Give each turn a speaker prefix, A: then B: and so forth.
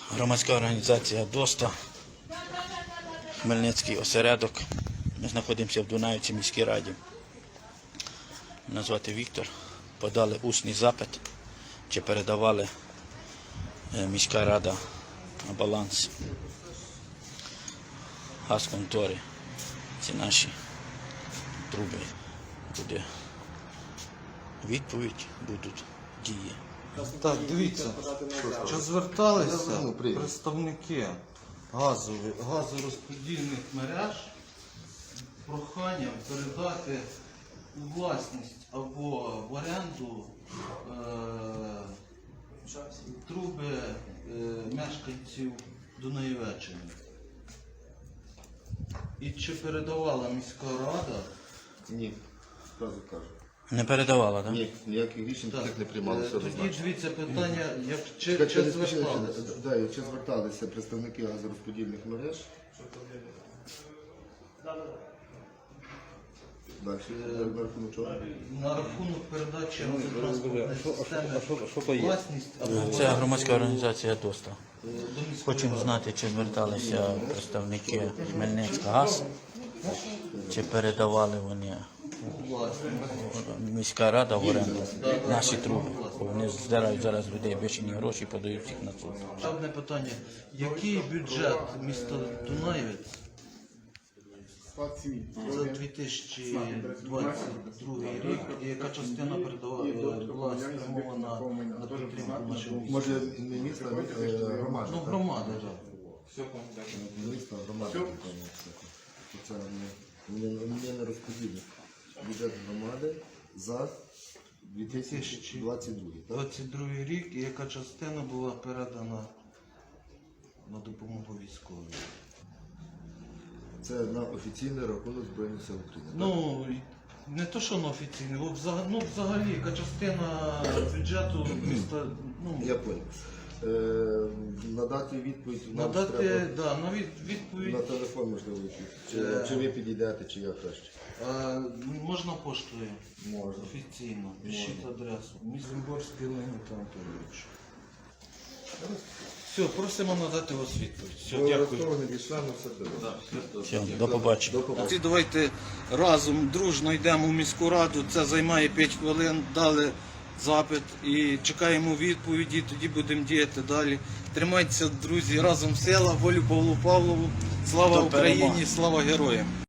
A: Громадська організація ДОСТА, Хмельницький осередок. Ми знаходимося в Дунаївці міській раді. Мене звати Віктор. Подали усний запит, чи передавали міська рада на баланс газконтори. Ці наші труби. Буде відповідь, будуть дії.
B: Так, дивіться, що зверталися представники газорозподільних мереж проханням передати у власність або в оренду труби мешканців Дунаєвеччини. І чи передавала міська рада?
C: Ні, одразу кажу.
A: Не передавала, так?
C: Ні, ніяких рішень таких не приймалося.
B: Тоді дивіться питання, чи зверталися?
C: Чи зверталися представники газорозподільних мереж? Далі, на рахунок чого?
B: На рахунок передачі газотранспортної системи власність або
A: Це громадська організація ДОСТА.
B: до міської
A: Хочемо знати, чи зверталися представники Хмельницькгаз, чи передавали вони міська рада в оренду наші труби. Вони здирають зараз людей бешені гроші, подають їх на суд.
B: Ще одне питання. Який бюджет міста Дунаєвець за 2022 рік і яка частина була спрямована на підтримку нашого міста?
C: Може, не міста, а громади.
B: Ну, громади, так.
C: Міста, громади. Це не розподілення. Бюджет громади за 2022.
B: 22 рік і яка частина була передана на допомогу військовим?
C: Це на офіційний рахунок Збройних сил України.
B: Ну, не то, що на офіційний, взагалі, яка частина бюджету міста,
C: Я понял. Надати відповідь нам
B: надати,
C: треба
B: на відповідь,
C: на телефон, можливо, чи ви підійдете, чи я краще.
B: можна поштою,
C: Можна.
B: офіційно, пишіть адресу, Мізимборський Леонід Анатолійович. Все, просимо надати вас відповідь. Все, дякую.
A: Все, до побачення.
B: Давайте разом, дружно йдемо в міську раду, це займає 5 хвилин, дали запит і чекаємо відповіді, тоді будемо діяти далі. Тримайтеся, друзі, разом сила, волю Павлу Павлову, слава
A: До перемоги.
B: Україні, слава героям!